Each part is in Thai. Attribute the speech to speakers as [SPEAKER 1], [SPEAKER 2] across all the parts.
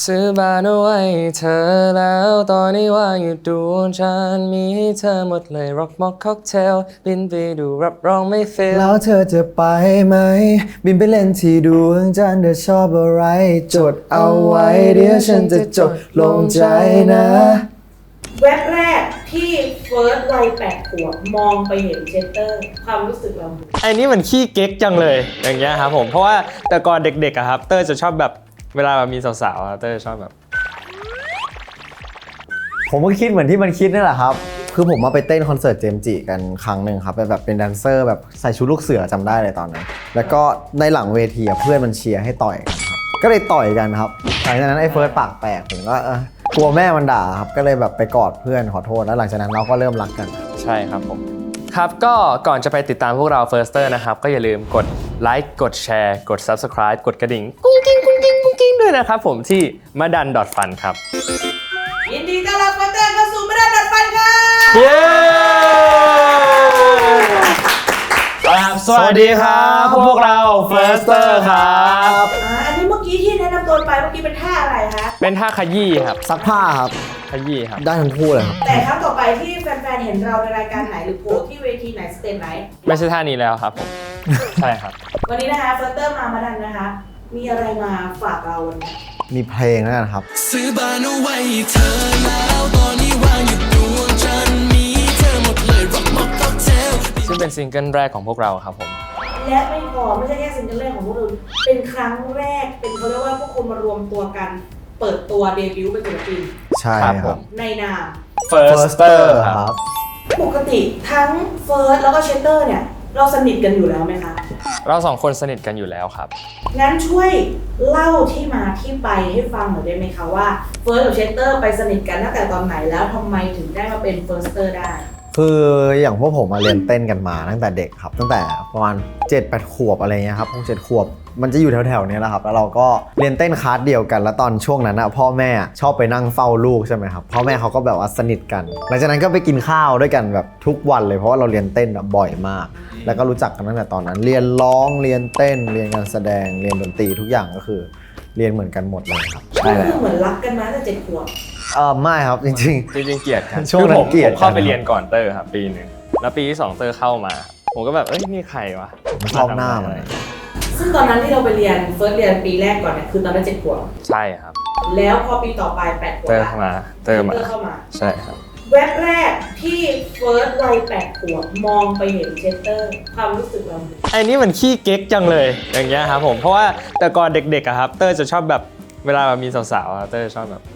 [SPEAKER 1] ซื้อบ้านเอาไว้เธอแล้วตอนนี้ว่างอยู่ดวงจันทร์มีให้เธอหมดเลยร็อกม็อกค็อกเทลบินไปดูรับรองไม่เฟล
[SPEAKER 2] แล้วเธอจะไปไหมบินไปเล่นที่ดวงจันทร์เธอชอบอะไรจดเอาไว้เดี๋ยวฉันจะจดลงใจนะ
[SPEAKER 3] แวบแรกที่เฟิร์สวัย8 ขวบมองไปเห็นเชสเตอร์ความรู้สึกเรา
[SPEAKER 1] ไอ้นี่มันขี้เก๊กจังเลยอย่างเงี้ยครับผมเพราะว่าแต่ก่อนเด็กๆอะครับเต้ยจะชอบแบบเวลาแบบมีสาวๆเต้ยชอบแบบ
[SPEAKER 2] ผมก็คิดเหมือนที่มันคิดนั่นแหละครับคือผมมาไปเต้นคอนเสิร์ตเจมส์จิกันครั้งหนึ่งครับเป็นแดนเซอร์แบบใส่ชุดลูกเสือจำได้เลยตอนนั้นแล้วก็ในหลังเวทีเพื่อนมันเชียร์ให้ต่อยกันครับก็เลยต่อยกันครับหลังจากนั้นไอ้เฟิร์สปากแตกผมก็กลัวแม่มันด่าครับก็เลยแบบไปกอดเพื่อนขอโทษแล้วหลังจากนั้นเราก็เริ่มรักกัน
[SPEAKER 1] ใช่ครับผมครับก็ก่อนจะไปติดตามพวกเรา Firster นะครับก็อย่าลืมกดไลค์กดแชร์กด Subscribe กดกระดิ่งกุ้งกิ้งกุ้งกิ้งกุ้งกิ้งด้วยนะครับผมที่มาดัน .fun ครับ
[SPEAKER 3] ยินดีต้อนรับเฟิร์สเตอร์เข้าสู่มาดันดัดฟันค่ะ
[SPEAKER 1] เย้สวัสดีครับพวกเรา Firster ครับ
[SPEAKER 3] อันนี้เมื่อกี้ที่แนะนำตัวไปเมื่อกี้เป็นท่าอะไรคะ
[SPEAKER 1] เป็นท่าขยี้ครับ
[SPEAKER 2] ซักผ้าครับ
[SPEAKER 1] ขยี้ครับ
[SPEAKER 2] ได้ทั้งคู่เลยครับ
[SPEAKER 3] แต่ครั้งต่อไปที่แฟนๆเห็นเราในรายการไหนหรือโพสที่เวทีไหนสเตจไหน
[SPEAKER 1] ไม่ใช่ท่านี้แล้วครับผมใช่ครับ
[SPEAKER 3] วันนี้นะคะเฟิร์สเตอร์มาดันนะคะมีอะไรมาฝากเราวันนี้
[SPEAKER 2] มีเพลงนะครับ
[SPEAKER 4] ซื้อบ้านเอาไว้เธอแล้วตอนนี้ว่างอยู่ดวงจันทร์มีเธอหมดเลยร็อกม็อกค็อกเทล
[SPEAKER 1] ซึ่งเป็นซิงเกิลแรกของพวกเราครับผม
[SPEAKER 3] และไม่พอไม่ใช่แค่ซิงเกิลแรกของพวกเราเป็นครั้งแรกเป็นเขาเรียกว่าพวกคนมารวมตัวกันเปิดตัวเดบิวต์เป็นศิลปิน
[SPEAKER 2] ใช่ครับ
[SPEAKER 3] ในนาม
[SPEAKER 1] Firster ครับ
[SPEAKER 3] ปกติทั้งเฟิร์สแล้วก็เชสเตอร์เนี่ยเราสนิทกันอยู่แล้วไหมคะ
[SPEAKER 1] เราสองคนสนิทกันอยู่แล้วครับ
[SPEAKER 3] งั้นช่วยเล่าที่มาที่ไปให้ฟังหน่อยได้ไหมคะว่าเฟิร์สกับเชสเตอร์ไปสนิทกันตั้งแต่ตอนไหนแล้วทำไมถึงได้มาเป็นเฟิร์สเตอร์ได้
[SPEAKER 2] คืออย่างพวกผมมาเรียนเต้นกันมาตั้งแต่เด็กครับตั้งแต่ประมาณ 7-8 ขวบอะไรเงี้ยครับ7 ขวบมันจะอยู่แถวๆนี้แหละครับแล้วเราก็เรียนเต้นคลาสเดียวกันแล้วตอนช่วงนั้นพ่อแม่ชอบไปนั่งเฝ้าลูกใช่ไหมครับพ่อแม่เขาก็แบบว่าสนิทกันหลังจากนั้นก็ไปกินข้าวด้วยกันแบบทุกวันเลยเพราะว่าเราเรียนเต้นบ่อยมากแล้วก็รู้จักกันตั้งแต่ตอนนั้นเรียนร้องเรียนเต้นเรียนการแสดงเรียนดนตรีทุกอย่างก็คือเรียนเหมือนกันหมดเลยครับ
[SPEAKER 3] ใช่แล้วเหมือนรักกันมาตั้งแต่7 ขวบ
[SPEAKER 2] ไม่ครับจริง
[SPEAKER 1] เกลียดกัน
[SPEAKER 2] ช่วงนั้นเกลียด
[SPEAKER 1] ผมเข้าไปเรียนก่อนเตอร์ครับปีนึงแล้วปีที่2เตอร์เข้ามาผมก็แบบนี่ใครวะ
[SPEAKER 2] ชอบหน้ามัน
[SPEAKER 3] ซึ่งตอนนั้นที่เราไปเรียนเฟิร์สเรียนปีแรกก่อนเนี่ยคือตอนนั้น7 ขวบ
[SPEAKER 1] ใช่ครับ
[SPEAKER 3] แล้วพอปีต่อไป8 ขวบ
[SPEAKER 1] เตอร์เข้ามาใช่ครับ
[SPEAKER 3] แวบแรกที่เฟิร์สวัย8 ขวบมองไปเห็นเชสเตอร์ความรู้สึกเรา
[SPEAKER 1] ไอ้นี่มันขี้เก๊กจังเลยอย่างเงี้ยครับผมเพราะว่าแต่ก่อนเด็กๆอะครับเตอร์จะชอบแบบเวลาแบบมีสาวๆเตอร์ชอบแบบ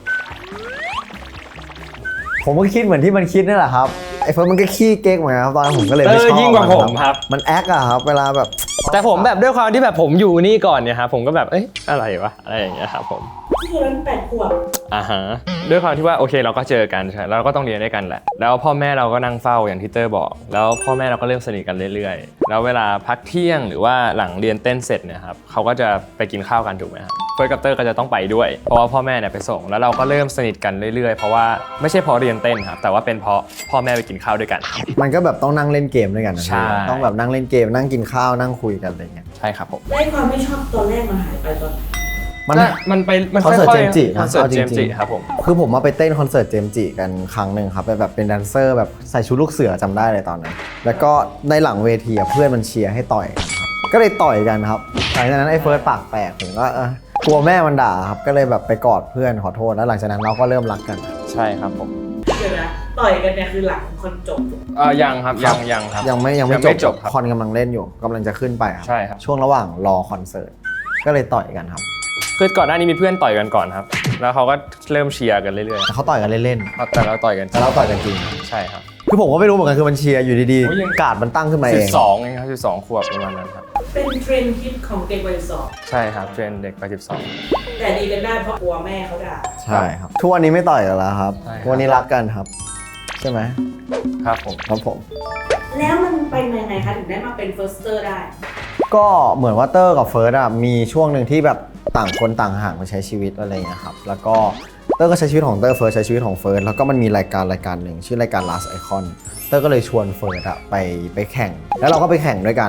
[SPEAKER 2] ผมก็คิดเหมือนที่มันคิดนั่นแหละครับไอ้เฟิร์สมันก็ขี้เก๊กเหมือนกันครับตอนนั้นผมก็เลยไม่ชอบ
[SPEAKER 1] ยิ่งกว่าผมครับ
[SPEAKER 2] มันแอคอะครับเวลาแบบ
[SPEAKER 1] แต่ผมแบบด้วยความที่แบบผมอยู่นี่ก่อนเนี่ยครับผมก็แบบอะไรวะอะไรอย่างเงี้ยครับผม
[SPEAKER 3] ที่นั้น8 ขวบ
[SPEAKER 1] ฮะด้วยความที่ว่าโอเคเราก็เจอกันใช่เราก็ต้องเรียนด้วยกันแหละแล้วพ่อแม่เราก็นั่งเฝ้าอย่างที่เตอร์บอกแล้วพ่อแม่เราก็เริ่มสนิทกันเรื่อยๆแล้วเวลาพักเที่ยงหรือว่าหลังเรียนเต้นเสร็จเนี่ยครับเขาก็จะไปกินข้าวกันถูกไหมครับเฟิร์สกับเตอร์ก็จะต้องไปด้วยเพราะว่าพ่อแม่เนี่ยไปส่งแล้วเราก็เริ่มสนิทกันเรื่อยๆเพราะว่าไม่ใช่เพราะเรียนเต้นครับแต่ว่าเป็นเพราะพ่อแม่ไปกินข้าวด้วยกัน
[SPEAKER 2] มันก็แบบต้องนั่งเล่นเกมด้วยกัน
[SPEAKER 1] ใช่
[SPEAKER 2] ต้องแบบนั่งเล่นเกมนั่งกินข้าวนั่งคุยกันอะไรเงี้ย
[SPEAKER 1] ใช่ครับผม
[SPEAKER 3] ได้ความไม่ชอบตอนแรกมันหายไปตอน
[SPEAKER 1] มันไป
[SPEAKER 2] คอนเสิร์ตเจมส์จิ
[SPEAKER 1] คอนเสิร์ตเจมส์จิครับผม
[SPEAKER 2] คือผมมาไปเต้นคอนเสิร์ตเจมส์จิกันครั้งหนึ่งครับแบบเป็นแดนเซอร์แบบใส่ชุดลูกเสือจำได้เลยตอนนั้นแล้วก็ในหลังเวทีเพื่อนมันเชียร์ให้ต่อยก็เลยต่อยกันครับหลังจากนั้นไอ้เฟิร์สปากแตกผมก็กลัวแม่มันด่าครับก็เลยแบบไปกอดเพื่อนขอโทษแล้วหลังจากนั้นเราก็เริ่มรักกัน
[SPEAKER 1] ใช่ครับผม
[SPEAKER 3] เดี๋ยวนะต่อยกันเนี่ยคือหลังคอนจบ
[SPEAKER 1] ยังครับยังครับ
[SPEAKER 2] ยังไม่จบคอนกำลังเล่นอยู่กำลังจะขึ้นไปครับ
[SPEAKER 1] ใช่ครับ
[SPEAKER 2] ช่วงระหว่างรอคอนเสิร์ตก็เลยต่อยกันครับ
[SPEAKER 1] คือก่อนหน้านี้มีเพื่อนต่อยกันก่อนครับแล้วเขาก็เริ่มเชียร์กันเรื่อย
[SPEAKER 2] ๆเขาต่อยกันเล่น
[SPEAKER 1] ๆแต่เราต่อยกัน
[SPEAKER 2] จริง
[SPEAKER 1] ใช่ครับ
[SPEAKER 2] คือผมก็ไม่รู้เหมือนกันคือมันเชียร์อยู่ดีๆการ์ดมันตั้งขึ้นมาเอง
[SPEAKER 1] 12เองครับ12 ขวบประมาณนั้นครับ
[SPEAKER 3] เป็นเทรนด์ฮิตของเด็กวัย12
[SPEAKER 1] ใช่ครับเทรนด์เด็กวัย12
[SPEAKER 3] แต่ดีกันได้เพราะกลัวแม่เขาด่า
[SPEAKER 2] ใช่ครับทุกวันนี้ไม่ต่อยกันแล้วครับทุกวันนี้รักกันครับใช่ไหม
[SPEAKER 1] ครับผม
[SPEAKER 3] แล้วมันไปยังไงคะถึงได้มาเป็นเฟิร์สเตอร์ได้
[SPEAKER 2] ก็เหมือนว่าเตอร์กับเฟิร์สมีช่วงหนึ่งที่แบบต่างคนต่างห่างมาใช้ชีวิตอะไรอย่างเงี้ยครับแล้วก็เตอร์ก็ใช้ชีวิตของเตอร์เฟิร์สใช้ชีวิตของเฟิร์สแล้วก็มันมีรายการหนึ่งชื่อรายการ Last Icon เตอร์ก็เลยชวนเฟิร์สไปแข่งแล้วเราก็ไปแข่งด้วยกันพ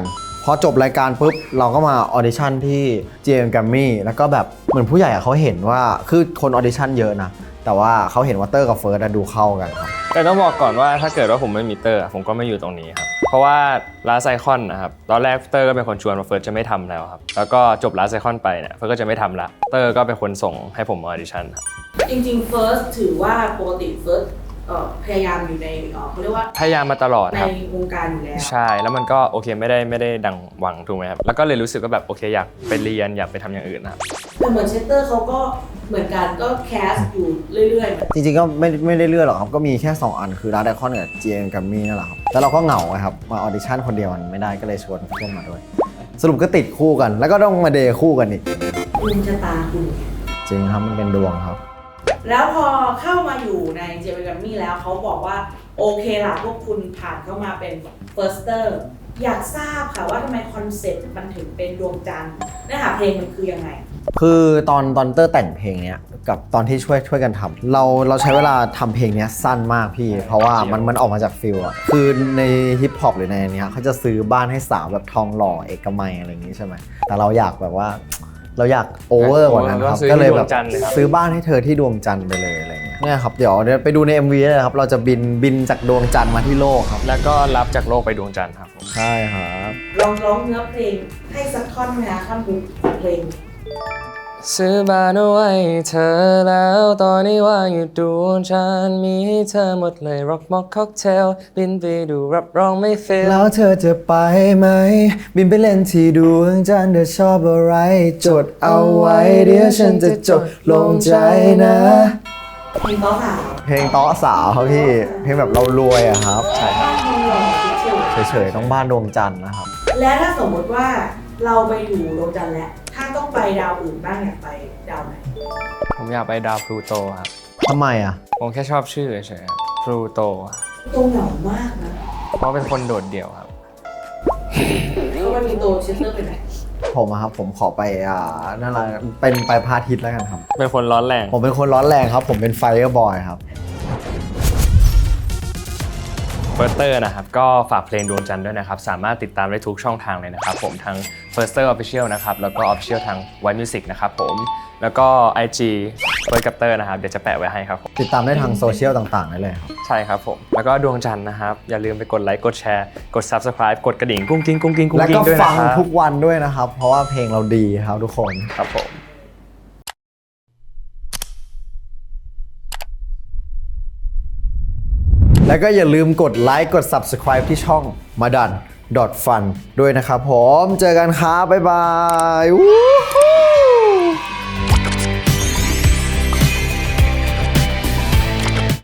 [SPEAKER 2] พอจบรายการปุ๊บเราก็มาออดิชั่นที่ GM Grammy แล้วก็แบบเหมือนผู้ใหญ่เขาเห็นว่าคือคนออดิชั่นเยอะนะแต่ว่าเขาเห็นว่าเตอร์กับเฟิร์สดูเข้ากันครับ
[SPEAKER 1] แต่ต้องบอกก่อนว่าถ้าเกิดว่าผมไม่มีเตอร์ผมก็ไม่อยู่ตรงนี้ครับเพราะว่าลาไซคอนนะครับตอนแรกเตอร์ก็เป็นคนชวนมาเฟิร์สจะไม่ทำแล้วครับแล้วก็จบลาไซคอนไปเนี่ยเฟิร์สก็จะไม่ทำละเตอร์ก็เป็นคนส่งให้ผมมาออดิชั่นครับ
[SPEAKER 3] จริงๆ First ถือว่าปกติ First พยายามอยู่ในเขาเรียกว่า
[SPEAKER 1] พยายามมาตลอด
[SPEAKER 3] ใน
[SPEAKER 1] ครับ
[SPEAKER 3] วงการอยู่แล้ว
[SPEAKER 1] ใช่แล้วมันก็โอเคไม่ได้ดังหวังถูกไหมครับแล้วก็เลยรู้สึกว่าแบบโอเคอยากไปเรียนอยากไปทำอย่างอื่นนะครับ
[SPEAKER 3] แต่เหมือนเชสเตอร์เขาก็เหมือนกันก็แคสอยู่เรื่อยๆ
[SPEAKER 2] จริงๆก็ไม่ได้เลือกหรอกครับก็มีแค่ 2 อันคือ Last Icon กับ GM Grammy นั่นแหละครับแล้วเราก็เหงาไงครับมาออดิชั่นคนเดียวมันไม่ได้ก็เลยชวนเพื่อนมาด้วยสรุปก็ติดคู่กัน แล้วก็ต้องมาเดย์คู่กันอีก
[SPEAKER 3] ดวงชะตาคุณ
[SPEAKER 2] จริงครับมันเป็นดวงครับ
[SPEAKER 3] แล้วพอเข้ามาอยู่ในเจมิกัมมี่แล้วเขาบอกว่าโอเคล่ะพวกคุณผ่านเข้ามาเป็น Firster อยากทราบค่ะว่าทำไมคอนเซ็ปต์มันถึงเป็นดวงจันทร์เนื้อหาเพลงมันคือยังไง
[SPEAKER 2] คือตอนเตอร์แต่งเพลงเนี้ยกับตอนที่ช่วยกันทำเราใช้เวลาทำเพลงเนี้ยสั้นมากพี่ เพราะว่ามันออกมาจากฟิลอะคือในฮิปฮอปหรือในเนี้ยเขาจะซื้อบ้านให้สาวแบบทองหล่อเอกมัยอะไรอย่างงี้ใช่ไหมแต่เราอยากแบบว่าเราอยากโอเวอร์กว่านั้นครับก็เลยแบบซื้อบ้านให้เธอที่ดวงจันทร์ไปเลยอะไรเงี้ยเนี่ยครับเดี๋ยวไปดูใน MV เลยครับเราจะบินจากดวงจันทร์มาที่โลกครับ
[SPEAKER 1] แล้วก็รับจากโลกไปดวงจันทร์ครับผม
[SPEAKER 2] ใช่ครับ
[SPEAKER 3] ลองร้องเนื้อเพลงให้สักท่อนไหมคะท่อนฮุกของเพลง
[SPEAKER 1] ซื้อบ้านเอาไว้ให้เธอแล้วตอนนี้ว่างอยู่ดวงจันทร์มีให้เธอหมดเลยร็อกม็อกค็อกเทลบินไปดูรับรองไม่เฟล
[SPEAKER 2] แล้วเธอจะไปไหมบินไปเล่นที่ดวงจันทร์เธอชอบอะไรจดเอาไว้เดี๋ยวฉันจะจดลงใจนะ
[SPEAKER 3] เพลงต้อสาว
[SPEAKER 2] เพลงต้อสาวครับพี่เพลงแบบเรารวยอะครับ
[SPEAKER 1] ใช่ครับ
[SPEAKER 3] บ้านเมืองคิดเฉย
[SPEAKER 2] เฉยๆต้องบ้านดวงจันทร์นะครับ
[SPEAKER 3] และถ้าสมมติว่าเราไปอยู่ดวงจันทร์แล้วถ้าต้องไปดาวอื่นบ้างอยากไปดาวไหน
[SPEAKER 1] ผมอยากไปดาวพลูโตครับ
[SPEAKER 2] ทำไมอะ
[SPEAKER 1] ผมแค่ชอบชื่อเฉยๆพลูโต
[SPEAKER 3] ตัวเหงามากนะ
[SPEAKER 1] เพราะเป็นคนโดดเดี่ยวครับ
[SPEAKER 3] เขาไปมีโตเชสเตอร์ไปไหน
[SPEAKER 2] ผมอะครับผมขอไปนั่นแหละเป็นไปพระอาทิตย์แล้วกันครับ
[SPEAKER 1] เป็นคนร้อนแรง
[SPEAKER 2] ผมเป็นคนร้อนแรงครับ ผมเป็นไฟเออร์บอยครับ
[SPEAKER 1] เฟิร์สเตอร์นะครับก็ฝากเพลงดวงจันทร์ด้วยนะครับสามารถติดตามได้ทุกช่องทางเลยนะครับผมทั้ง Firster Official นะครับแล้วก็ Official ทาง White Music นะครับผมแล้วก็ IG เฟิร์สกับเตอร์นะครับเดี๋ยวจะแปะไว้ให้ครับผม
[SPEAKER 2] ติดตามได้ทางโซเชียลต่างๆได้เลยครับ
[SPEAKER 1] ใช่ครับผมแล้วก็ดวงจันทร์นะครับอย่าลืมไปกดไลค์กดแชร์กด Subscribe กดกระดิ่งกุ้งกิ้งกุ้งกิ้งกุ้ง
[SPEAKER 2] แล้ว
[SPEAKER 1] กิ้
[SPEAKER 2] ก็
[SPEAKER 1] งด้วย
[SPEAKER 2] ฟั
[SPEAKER 1] นะ
[SPEAKER 2] ง
[SPEAKER 1] ครับ
[SPEAKER 2] ทุกวันด้วยนะครับ เพราะว่าเพลงเราดีครับทุกคน
[SPEAKER 1] ครับผม
[SPEAKER 2] แล้วก็อย่าลืมกดไลค์กด Subscribe ที่ช่องมาดัน .fun ด้วยนะครับผมเจอกันครับบ๊ายบาย